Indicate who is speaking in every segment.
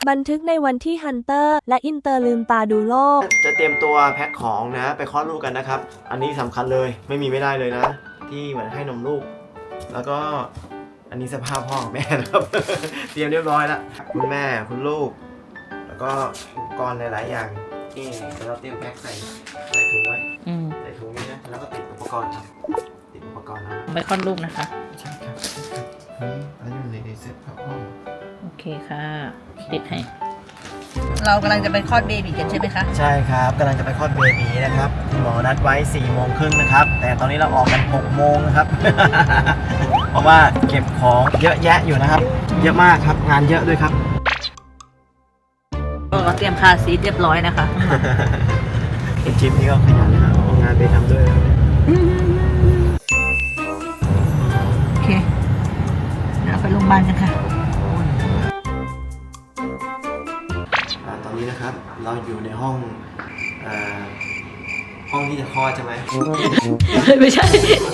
Speaker 1: บันทึกในวันที่ฮันเตอร์และอินเตอร์ลืมตาดูโลก
Speaker 2: จะเตรียมตัวแพ็คของนะไปคลอดลูกกันนะครับอันนี้สำคัญเลยไม่มีไม่ได้เลยนะที่เหมือนให้นมลูกแล้วก็อันนี้สภาพพ่อแม่นะครับ เตรียมเรียบร้อยแล้วคุณแม่คุณลูกแล้วก็อุปกรณ์หลายๆอย่างนี่เราเตรียมแพ็คใส่ถุงไว้ใส่ถุงนี้นะแล้วก็ติดอุปกรณ์ครับติดอุปกรณ์แล้ว
Speaker 3: ไปคลอดลูกนะคะ
Speaker 2: ใช่ครับนี่อันนี้อยู่ในเซ็ตครับพ่อ
Speaker 3: โอเคค่ะติดให้เรากำลังจะไปคลอดเบบีกันใช่ไหมคะ
Speaker 2: ใช่ครับกำลังจะไปคลอดเบบีนะครับคุณหมอนัดไว้4:30นะครับแต่ตอนนี้เราออกกัน6 โมงนะครับ เพราะว่าเก็บของเยอะแยะอยู่นะครับเยอะมากครับงานเยอะด้วยครับ
Speaker 3: เราเตรียมคาซีทเรียบร้อยนะคะ
Speaker 2: คุณจิ๊บนี่ก็ขยันนะครับเอางานไปทำด้วย
Speaker 3: โอเคเดี๋ยวไปโรงพยาบาลกันค่ะ
Speaker 2: ตอนนี้นะครับเราอยู่ในห้องที่จะคลอดใช่ไหม
Speaker 3: ไม่ใช่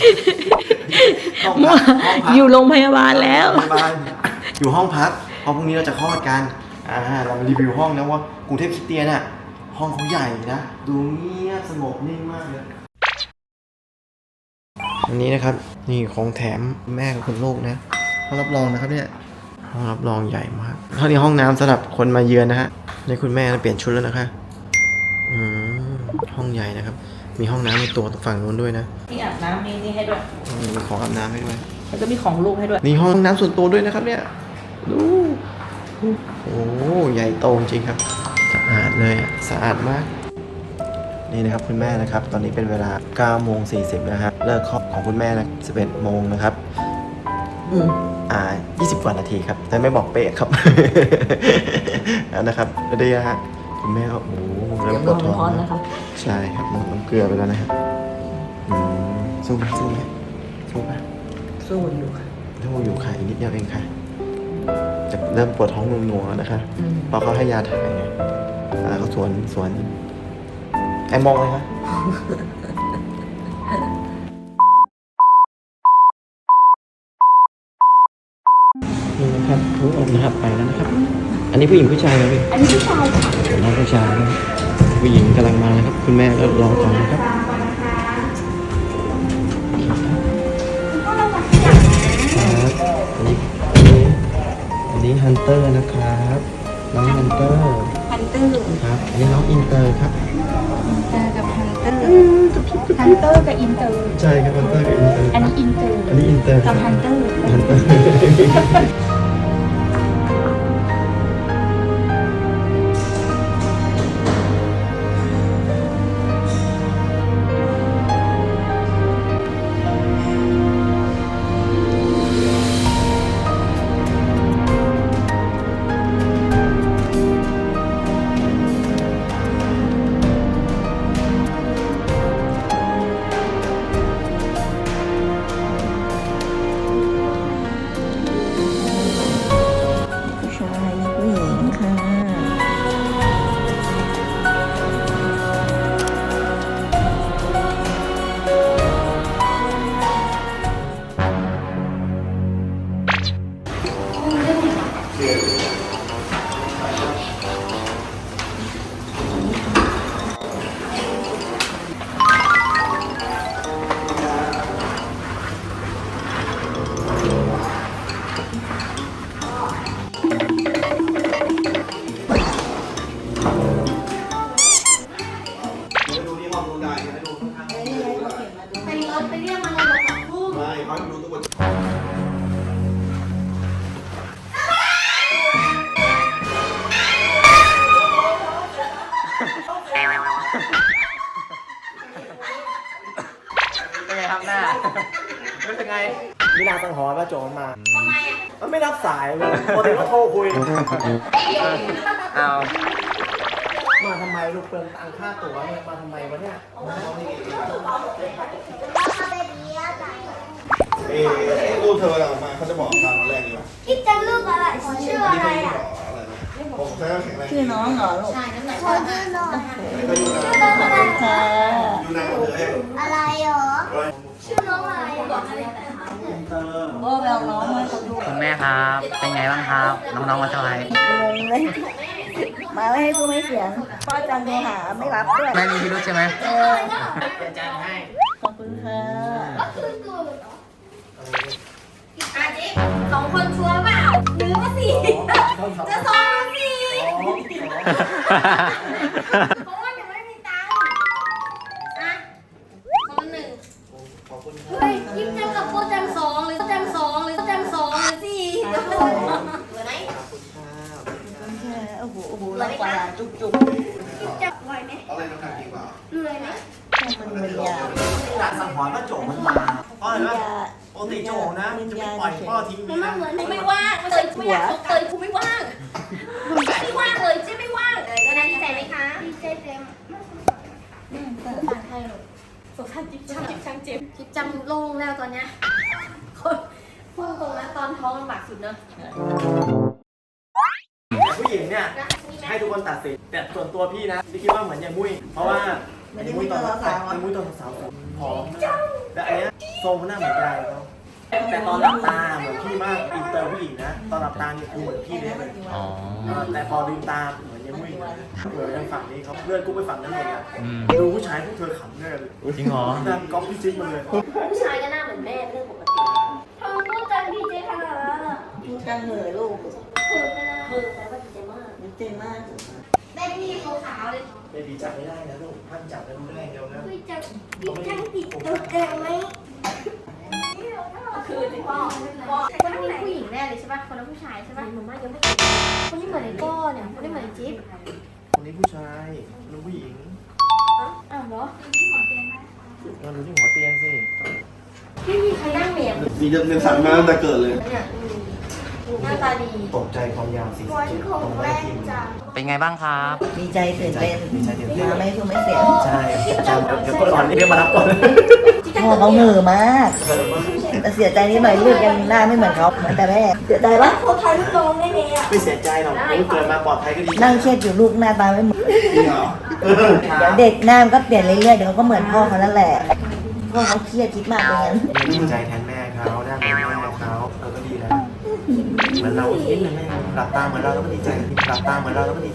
Speaker 3: อยู่โรงพยาบาลแล้ว
Speaker 2: อยู่ห้องพักเพราะพรุ่งนี้เราจะคลอดกันเรามารีวิวห้องนะว่ากรุงเทพคริสเตียนน่ะห้องเขาใหญ่นะดูเงียบสงบนิ่งมากเลยอันนี้นะครับนี่ของแถมแม่กับคุณลูกนะห้องรับรองนะครับเนี่ยห้องรับรองใหญ่มากห้องนี้ห้องน้ำสำหรับคนมาเยือนนะฮะในคุณแม่เปลี่ยนชุดแล้วนะคะห้องใหญ่นะครับมีห้องน้ำในตัวฝั่งนู้นด้วยนะ
Speaker 3: ที่อาบน้ำนี่ให้ด้วย
Speaker 2: มีของอาบน้ำให้ด้วย
Speaker 3: แล้วก็มีของลูกให้ด้วย
Speaker 2: นี่ห้องน้ำส่วนตัวด้วยนะครับเนี่ยดูโอ้ใหญ่โตจริงครับสะอาดเลยสะอาดมากนี่นะครับคุณแม่นะครับตอนนี้เป็นเวลา 9:40 นะครับเลิกคลอดของคุณแม่นะ 11 โมงนะครับ20 กว่านาทีครับแต่ไม่บอกเป๊ะครับ นะครับเดี๋ยวฮะคุณแม่ก็โอ้เริ่มปวดท้องนะครับใช่ครับหมดน้ำเกลือไปแล้วนะครับสู้ไหมสู้
Speaker 3: อยู่ค่ะ
Speaker 2: อีกนิดเดียวเองค่ะจะเริ่มปวดท้องนัวๆนะคะพอเขาให้ยาถ่ายไงเขาสวนไอ้มองเลยครับนี่นะครับผู้อมนะครับไปแล้วนะครับอันนี้ผู้หญิงผู้ชายครับพี่
Speaker 4: อันนี้ผู้ชายค่ะ
Speaker 2: น้องผู้ชายผู้หญิงกำลังมานะครับคุณแม่ก็รอก่อนนะครับอันนี้ฮันเตอร์นะครับน้องฮันเตอร์ครับอันนี้น้องอินเตอร์ครับ
Speaker 4: อินเตอร์กับฮันเตอร์ฮันเตอร์กับอินเตอร์
Speaker 2: ใช่ครับฮันเตอร์กับอินเตอร์
Speaker 4: อันนี้อินเตอร์กับฮันเตอร์
Speaker 5: ไปเรียกมาเลยบอกกับผู้ไม่เขาดูตัว
Speaker 2: เป็นไงครับหน้ารู้สึกไงมิลาสังหรณ์ว่าโจรมา
Speaker 5: ทำไม
Speaker 2: มันไม่รับสายเลยปกติก็โทรคุยเอามาทำไมลูกเปลืองตังค่าตั๋วเนี่ยมาทำไมวะเนี่ย
Speaker 5: ลูกเธอออกมาเขาจะบอกตามแรกดีกว่า
Speaker 4: คิดจะลูกอะไรชื่ออะไรอ่ะ
Speaker 5: ผมใช้แข็งแรง
Speaker 3: ชื่อน้องเหรอลูก
Speaker 4: ใช่น้ำหนักชื่อน้อง
Speaker 5: ชื่อ
Speaker 4: น้องอะไร
Speaker 3: ค่ะ
Speaker 5: อยู่ในหมดเลย
Speaker 4: อะไรหรอชื่อน้องอะไรบอกอะไร
Speaker 3: โอ้แววน้องมาดู
Speaker 6: คุณแม่ครับเป็นไงบ้างครับน้องๆมาเท่าไหร่
Speaker 3: มาไม่ให้พูดไม่เสียงพ่อจันโทรหาไม่รับด้วย
Speaker 6: แม่มีพิรุธใช่ไหม
Speaker 2: อาจารย์ให้
Speaker 3: ขอบคุณค่ะ
Speaker 4: สองคนชัวร์เปล่าหรือว่าสี่จะสองหรือสี่เพราะว่าหนูไม่มีตังค์อะคนหนึ่ง
Speaker 2: ขอบคุณค
Speaker 4: เฮ้ยยิ้มจังกับโคจังสองหรือจังสองหรือจังสองหรือสี่เดี๋ยวเหลือไหน
Speaker 2: ขอบคุณครับ
Speaker 3: โอ้โหโอ้โหเราปลาจุกจุก
Speaker 4: ยิ้มจังไหวไหม
Speaker 5: เอาอะไรน้ำหนักดีกว่า
Speaker 4: เหนื่อยไหม
Speaker 3: มันมึนยา
Speaker 2: หลักสังหรณ์ว่าโจมันมาเพราะอะไรวะปกติโจนะจะไม่ปล่อยพ่อทิ้ง
Speaker 4: มั
Speaker 2: นี่
Speaker 4: น
Speaker 2: นะ
Speaker 4: เหมือนไม่ว่างเลยไม่อยากเตยกูไม่ว่างไม่ว่างเลยเจ๊ไม่ว่างเลยก็ได้ดีใจไหมคะดีใจเต็มสงสารใครหรอสงสารจิ๊บช่างเจ็บจิ๊บจำโล่งแล้วตอนเนี้ยคนพูดตรงนะตอนท้องลำบากสุดเนอะ
Speaker 2: ผู้หญิงเนี่ยให้ทุกคนตัดสินแต่ส่วนตัวพี่นะพี่คิดว่าเหมือนยายมุ้ยเพราะว่ามุ้ยตอนสาวผอมนะแต่อันเนี้ยทรงหน้าเหมือนยายเขาแต่ตอนหลับตาเหมือนพี่มากอินเตอร์ผู้หญิงนะตอนหลับตาเนี่ยคือเหมือนพี่เลย
Speaker 6: อ๋อ
Speaker 2: แต่พอลืมตาเหมือนยายมุ้ยเหมือนทางฝั่งนี้เขาเลื่อนกูไปฝั่งนั้นหมดเลย
Speaker 6: อืม
Speaker 2: ดูผู้ชายพวกเธอขำแน่เลย
Speaker 6: จริงเหรอ
Speaker 2: ดันก๊อปพี่จิ๊บมาเลย
Speaker 4: ผู้ชายก็หน้าเหมือนแม่เรื่องปกติทำไมพูดจังดีเจขนาดนั้นอ่ะ
Speaker 3: พูดกันเหนื่อยลูก
Speaker 4: เขินไปนะแปลว่าดีใจมาก
Speaker 3: ดีใจมาก
Speaker 4: ได้พี่ขาวๆเลย
Speaker 2: เบบีจับไม่ได้นะลูกห้ามจับนะลูกได้เดียวนะ
Speaker 4: พี่จังติดตัวแดงไหมคือที่พ่อคนนี้ผู้หญิงแน่เลยใช่ป่ะคนนั้นผู้ชายใช่ป่ะหนูมายังไม่คนนี้เหมือนไอ้ก้อเนี่ยคนนี้เหมือนจิ๊บ
Speaker 2: คนนี้ผู้ชายคนนี้ผู้หญิง
Speaker 4: อ้าวเหรอ
Speaker 2: เราดูที่หัวเตียงสิ
Speaker 4: พี่มีใครนั่งเหมียน
Speaker 5: มีเดินสั่งมาตั้งแต่เกิดเลย
Speaker 4: เนี่ยหน้าตาดี
Speaker 2: ตกใจความยาว47
Speaker 4: วันของแรกจัง
Speaker 6: เป็นไงบ้างครับ
Speaker 3: ดีใจตื่นเต้น
Speaker 2: ดีใจตื่นเต้น
Speaker 3: มาไม่พูดไม่เสียง
Speaker 2: ใช่จำเดี๋ยวก่อนเรียกมารับก่อน
Speaker 3: พ่อเขาเหนื่อยมาก แต่เสียใจนิดหน่อยลูกยังหน้าไม่เหมือนเขาเหมือนแต่แม่เสียใจปะ
Speaker 4: คนไทยลูกน้องได้ไงอ่ะ
Speaker 2: ไม่เสียใจหรอกลูกเกิดมาปลอดภัยก็ดี
Speaker 3: นั่งเครียดอยู่ลูกหน้าตาไม่เหมือน
Speaker 5: จริงเหรอ
Speaker 3: เดี๋ยวเด็กหน้ามันก็เปลี่ยนเรื่อยๆเดี๋ยวเขาก็เหมือนพ่อเขานั่นแหละพ่อเขาเครียดคิดมากเลยงั้น
Speaker 2: ดีใจแทนแม่เขาได้เหมือนแม่เขาเราก็ดีแล้วเหมือนเราคิดเลยแม่หลับตาเหมือนเราแล้วก็ดีใจหลับตาเหมือนเราแล้วก็ดีใจ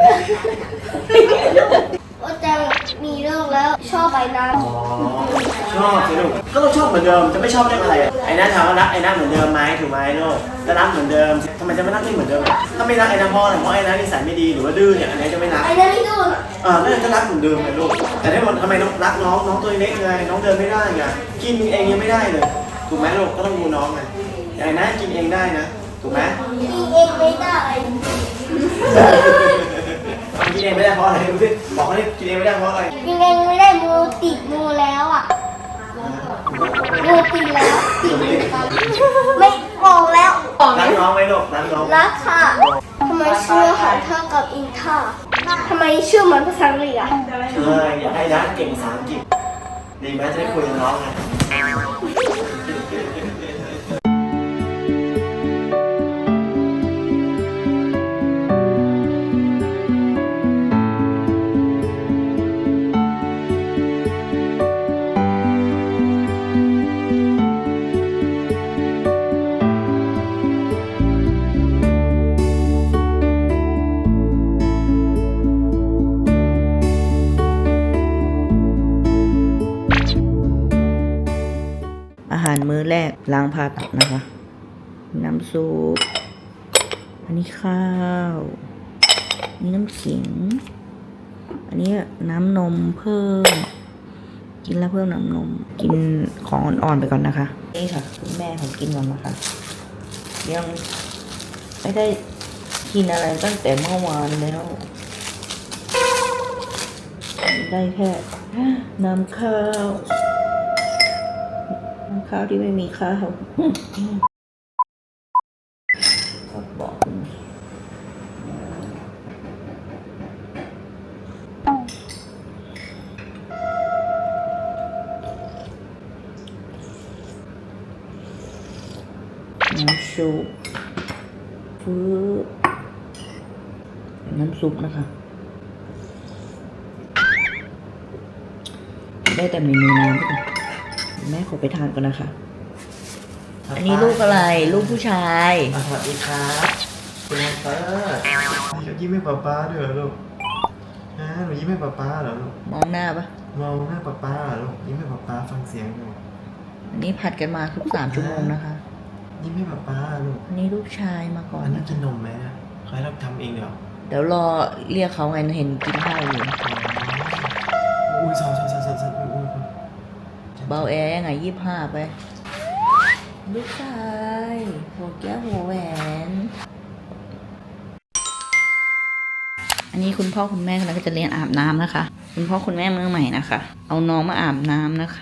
Speaker 4: ว่าจะมีเรื่องแล้วชอบไปน้
Speaker 2: อ๋อชอบสิลูกก็ต้องชอบเหมือนเดิมจะไม่ชอบได้อะไรอ่ะไอ้น้าถามว่ารักไอ้น้าเหมือนเดิมไหมถูกไหมลูกจะรักเหมือนเดิมทำไมจะไม่รักนี่เหมือนเดิมถ้าไม่รักไอ้น้าเพราะอะไรเพราะไอ้น้านิสัยไม่ดีหรือว่าดื้อเนี่ยอันนี้จะไม่รัก
Speaker 4: ำไอ้นั่นนี่ดู
Speaker 2: นั่นก็รักเหมือนเดิมไงลูกแต่ถ้าทำไมน้องรักน้องตัวเล็กไงน้องเดินไม่ได้ไงกินเองยังไม่ได้เลยถูกไหมลูกก็ต้องดูน้องไงไอ้น้ากินเองได้นะถูกไหม
Speaker 4: กินเองไม่ได้
Speaker 2: กินเองไม่ได้เพราะอะไรดูสิบอกเขาดิกินเองไม่ได้เพราะอะไร
Speaker 4: กินเองไม่ได้มือติดมือแล้วอ่ะมือติดแล้วติดไม่ออกแล้ว
Speaker 2: รักน้องไหมลูกรักน้อง
Speaker 4: รักค่ะทำไมชื่อหาเท่ากับอินท่าทำไมชื่อเหมือนภาษาอังกฤษอ่ะ
Speaker 2: อยากให้น้าเก่งภาษาอังกฤษดีไหมจะได้คุยกับน้องไง
Speaker 3: อาหารมื้อแรกล้างผ่าตัดนะคะ น้ำซุปอันนี้ข้าวอันนี้น้ำขิง อันนี้น้ำนมเพิ่ม กินแล้วเพิ่มน้ำนม กินของอ่อนๆไปก่อนนะคะ นี่ค่ะคุณแม่ผมกินก่อนนะคะ ยังไม่ได้กินอะไรตั้งแต่เมื่อวานแล้วได้แค่น้ำข้าวที่ไม่มีข้าวก็บอกน้ำซุปน้ำซุปนะคะได้แต่เมนูน้ำด้วยแม่ขอไปทานก่อนนะคะ อันนี้ลูกอะไร ลูกผู้ชาย
Speaker 2: สวัสดีครับคุณเฟิร์สยิ้มให้ป๊าด้วยเหรอลูกฮะหนูยิ้มให้ป๊าเหรอลูก
Speaker 3: มองหน้าปะ
Speaker 2: มองหน้าป๊าเหรอลูกยิ้มให้ป๊าฟังเสียงดู
Speaker 3: อันนี้ผัดกันมาทุก3 ชั่วโมงนะคะ
Speaker 2: ยิ้มให้ป๊าลูก
Speaker 3: อันนี้ลูกชายมาก่อน
Speaker 2: อันนี้
Speaker 3: นะ
Speaker 2: กินนมไหมนะเขาให้เราทำเองเดี๋ยว
Speaker 3: เดี๋ยวรอเรียกเขาไงเห็นกินข้าวอยู่
Speaker 2: อุ้ยสอนอุ้ย
Speaker 3: เบาแอร์ยังไง25 ไป ลูกชายหัวแก้วหัวแหวน อันนี้คุณพ่อคุณแม่กำลังจะเรียนอาบน้ำนะคะ คุณพ่อคุณแม่มือใหม่นะคะ เอาน้องมาอาบน้ำนะคะ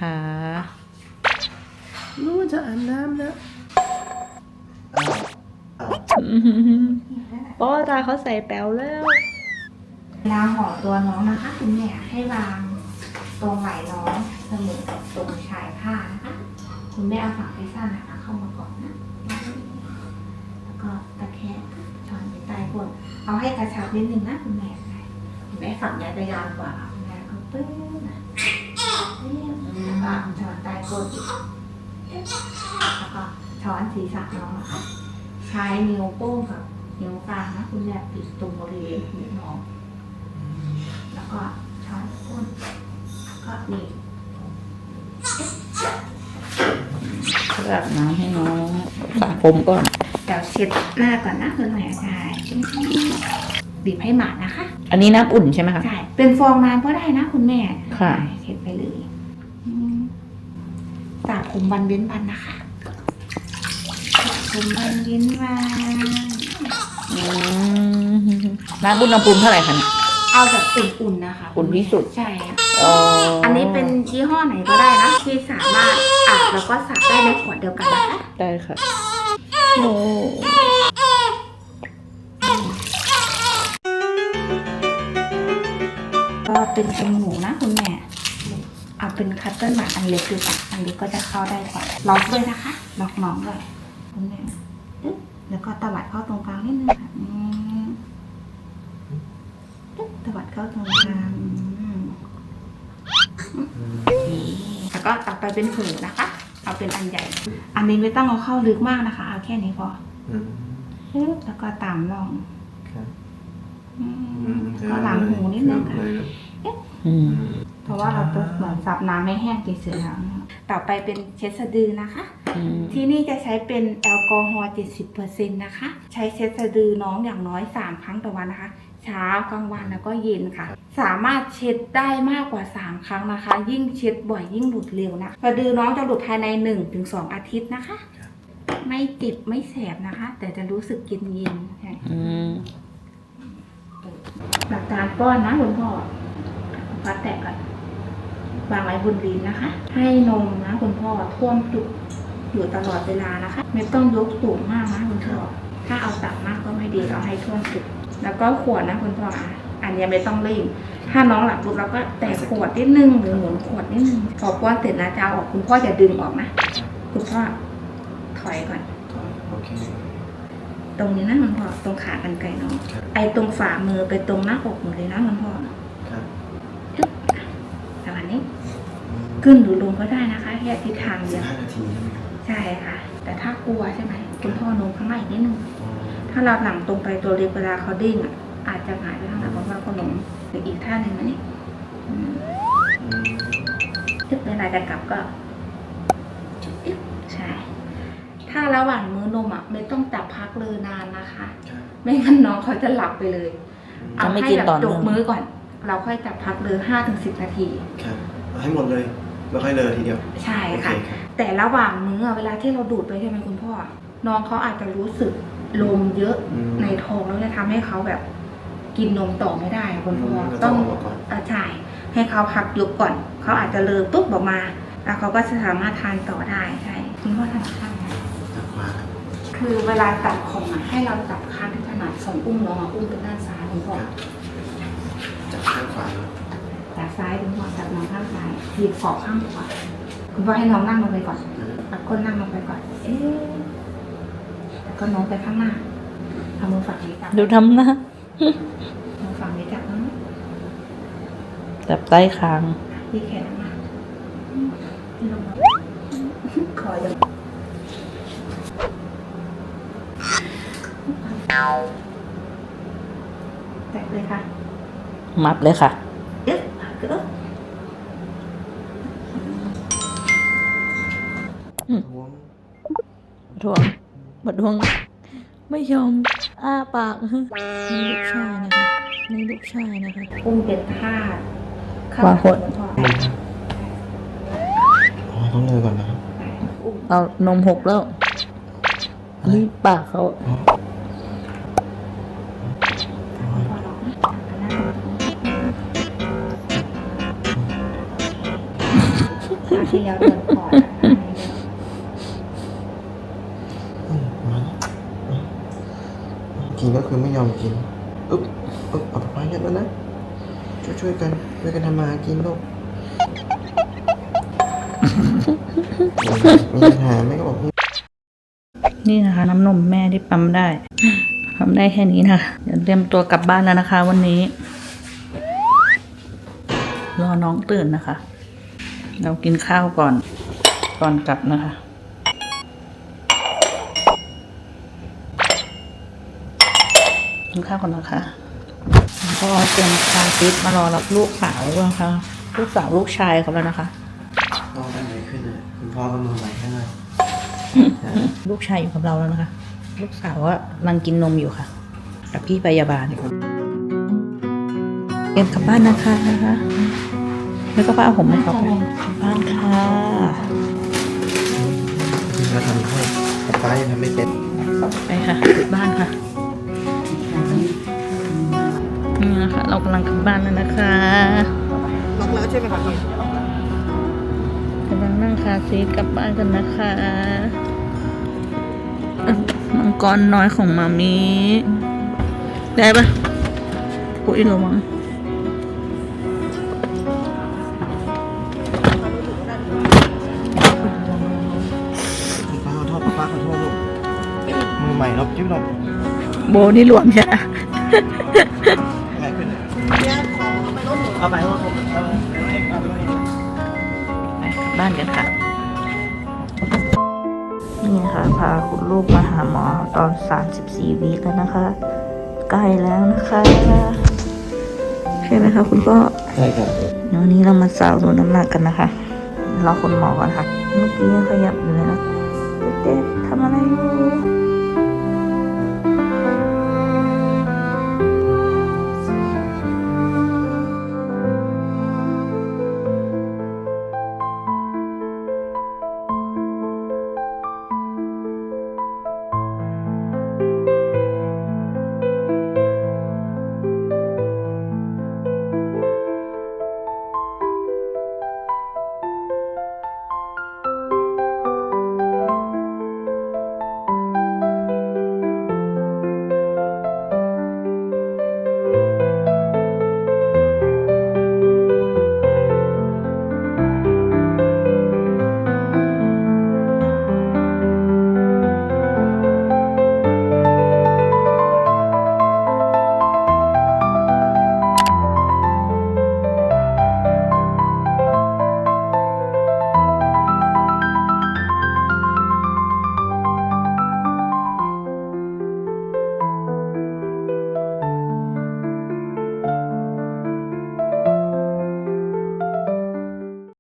Speaker 2: ลูกจะอาบน้ำแล้ว
Speaker 3: ป้อตาเขาใส่แป๋วแล้ว
Speaker 4: เวลาห่อตัวน้องนะคะคุณแม่ให้วางตรงไหล่น้องเสมอกับตรงชายผ้านะคะคุณแม่เอาฝั่งที่สั้นนะคะเข้ามาก่อนนะแล้วก็ตะแคงช้อนไปใต้ก้นเอาให้กระชับนิดนึงนะคุณแม่ฝั่งนี้จะยาวกว่าคุณแม่ก็ปื้มนะแล้วก็ช้อนใต้ก้นแล้วก็ช้อนศีรษะน้องนะคะใช้นิ้วโป้งกับนิ้วกลางนะคุณแม่ปิดตรงบริเวณหูน้องแล้วก็ช้อนก้นก็นี่
Speaker 3: อาบน้ำให้น้องสระผมก่อน
Speaker 4: เดี๋ยวเช็ดหน้าก่อนนะคุณแม่ใช่บีบให้หมาดนะคะ
Speaker 3: อันนี้น้ำอุ่นใช่ไหมคะ
Speaker 4: ใช่เป็นฟองน้ำก็ได้นะคุณแม่
Speaker 3: ค่ะ
Speaker 4: เช็ดไปเลยสระผมวันเว้นวันนะคะสระผมวันเว้นวัน
Speaker 3: น้ำอุณหภูมิเท่าไหร่คะเนี่ย
Speaker 4: เอาแบบอุ่นๆนะคะ
Speaker 3: อุ่นที่สุด
Speaker 4: ใช่
Speaker 3: อ๋อ
Speaker 4: อันนี้เป็นยี่ห้อไหนก็ได้นะที่สามารถอาบแล้วก็สระได้ในขวดเดียวกันนะคะ
Speaker 3: ได้ค่ะโอ้
Speaker 4: ก็เป็นตรงหมูนะคุณแม่เอาเป็นคัตเตอร์หมาอันเล็กดูค่ะอันเล็กก็จะเข้าได้กว่าล็อกด้วยนะคะล็อกน้องด้วยคุณแม่ปึ๊บแล้วก็ตวัดเข้าตรงกลางนิดนึงค่ะปึ๊บตวัดเข้าตรงกลางแล้วก็ตักไปเป็นผืนนะคะ เอาเป็นอันใหญ่ อันนี้ไม่ต้องเอาเข้าลึกมากนะคะ เอาแค่นี้พอปึ๊บแล้วก็ตามร่องก็หลังหูนิดนึงค่ะ เพราะว่าเราต้องเหมือนซับน้ำให้แห้งเฉยๆแล้วต่อไปเป็นเช็ดสะดือนะคะ ที่นี่จะใช้เป็นแอลกอฮอล์ 70% นะคะ ใช้เช็ดสะดือน้องอย่างน้อย3 ครั้งต่อวันนะคะ เช้ากลางวันแล้วก็เย็นค่ะ สามารถเช็ดได้มากกว่า3 ครั้งนะคะ ยิ่งเช็ดบ่อยยิ่งหลุดเร็วนะสะดือน้องจะหลุดภายใน 1-2 อาทิตย์นะคะ ไม่ติดไม่แสบนะคะ แต่จะรู้สึกเย็นหลักการป้อนนะคุณพ่อพัดแตะก่อนวางไว้บนลิ้นนะคะ ให้นมนะคุณพ่อท่วมจุกอยู่ตลอดเวลานะคะ ไม่ต้องยกสูงมากนะคุณพ่อถ้าเอาต่ำมากก็ไม่ดีเราให้ท่วมจุกแล้วก็ขวดนะคุณพ่ออันนี้ไม่ต้องรีบถ้าน้องหลับปุ๊บเราก็แตะขวดนิดนึงหรือหมุนขวดนิดนึงพอป้อนเสร็จนะจะเอาออกคุณพ่ออย่าดึงออกนะคุณพ่อถอยก่อน
Speaker 2: โอเค
Speaker 4: ตรงนี้นะคุณพ่อตรงขากรรไกรน้องไอ้ตรงฝ่ามือไปตรงหน้าอกหมดเลยนะคุณพ่อ
Speaker 2: ครับ
Speaker 4: ประมาณนี้ขึ้นหรือลงก็ได้นะคะแค่ทิศทางเดียว
Speaker 2: 15 นาทีใช่ไหมครับ
Speaker 4: ใช่ค่ะ แต่ถ้ากลัวใช่ไหมคุณพ่อโน้มข้างในอีกนิดนึงถ้าเราหลังตรงไปตัวเล็กเวลาเขาดิ้งอ่ะอาจจะหงายไปข้างหลังเพราะว่าเขาโน้มหรืออีกท่าหนึ่งนะนี่ตึ๊บเวลาจะกลับก็ตึ๊บใช่ ถ้าระหว่างมื้อนมอ่ะไม่ต้องจับพักเลยนานนะคะ ไม่งั้นน้องเขาจะหลับไปเลย เอาให้แบบจบมื้อก่อน เราค่อยจับพักเลย5-10 นาที
Speaker 2: ครับเอาให้หมดเลยแล้วค่อยเลยทีเดียว
Speaker 4: ใช่ค่ะ แต่ระหว่างมื้อเวลาที่เราดูดไปใช่ไหมคุณพ่อ น้องเขาอาจจะรู้สึกลมเยอะในท้องแล้วจะทำให้เขาแบบกินนมต่อไม่ได้คุณพ่อต้องใช่ให้เขาพักยุบก่อน เขาอาจจะเลอปุ๊บออกมา แล้วเขาก็จะสามารถทานต่อได้ใช่คุณพ่อถนัดข้างไหน
Speaker 2: จับขวาครับ
Speaker 4: คือเวลาตัดของอ่ะให้เราจับข้างที่ถนัดส่วนอุ้มน้องอุ้มเป็นด้านซ้ายคุณพ่อ
Speaker 2: จับข้างขวาครับ
Speaker 4: จากซ้ายคุณพ่อจับน้องข้างซ้ายหยิบขอบข้างขวาคุณพ่อให้น้องนั่งลงไปก่อนเอาก้นนั่งลงไปก่อนแล้วก็น้องไปข้างหน้าเอามือฝั่งนี้จับ
Speaker 3: ดูทำนะ
Speaker 4: มือฝั่งนี้จับน้อง
Speaker 3: จับใต้คาง
Speaker 4: ที่แขนมาที่ลงมาขออย่า
Speaker 3: แตกเลยค่ะ มับเลยค่ะเอ๊ะเอ๊ะ
Speaker 2: ท้วง
Speaker 3: บัดดวงไม่ยอมอ้าปากนี่ลูกชายนะคะนี่ลูกชายนะคะ
Speaker 4: อุ้มเป็นทาส
Speaker 3: วางหด
Speaker 2: อ๋อต้องเลยก่อนนะครับ
Speaker 3: เอานมหกแล้วนี่ปากเขา
Speaker 4: ที่แล้วเดินก่อน
Speaker 2: กินก็คือไม่ยอมกินอึ๊บเอาไปเนี่ยแล้วนะช่วยกันทำมาหากินลูกมีปัญหาแม่ก็บอก
Speaker 3: นี่นะคะ น้ำนมแม่ที่ปั๊มได้แค่นี้นะคะเดี๋ยวเตรียมตัวกลับบ้านแล้วนะคะ วันนี้ รอน้องตื่นนะคะ เรากินข้าวก่อนกลับนะคะกินข้าวก่อนนะคะก็เตรียมคาร์ซีทมารอรับลูกสาวนะคะลูกสาวลูกชายเขาแล้วนะคะ
Speaker 2: พ่อได้ไหนขึ้นอ่ะคุณพ่อก็มือใหม่ให้หน่อย
Speaker 3: ลูกชายอยู่กับเราแล้วนะคะ ลูกสาวว่ากำลังกินนมอยู่ค่ะกับพี่พยาบาลเตรียมกลับบ้านนะคะแล้วก็ป้าเอาผมให้เขาไปกลับบ้านค่ะ
Speaker 2: พี่ก็ทำให้แต่ป้ายังทำไม่เป็น
Speaker 3: ไปค่ะกลับบ้านค่ะนี่นะคะ เรากำลังกลับบ้านแล้วนะคะ
Speaker 2: ล็อกแล้วใช่ไหมครับพี่
Speaker 3: กำลังนั่งคาร์ซีทกลับบ้านกันนะคะมังกรน้อยของมามีได้ปะปุ้ยระวัง
Speaker 2: ป้าขอโทษลูกมือใหม่ลบจิ้มลบ
Speaker 3: โบนี่หลวมใช่ไหม
Speaker 2: ใหม่ขึ้นเอาไปว่าผมเอาไป
Speaker 3: ไปกลับบ้านกันค่ะ นี่นะคะพาคุณลูกมาหาหมอตอน34 วีคแล้วนะคะ ใกล้แล้วนะคะใช่ไหมคะคุณพ่อ
Speaker 2: ใช่ครับ
Speaker 3: วันนี้เรามาสาวดูน้ำหนักกันนะคะรอคุณหมอก่อนค่ะ เมื่อกี้ยังขยับอยู่เลยนะเด็กๆทำอะไรอยู่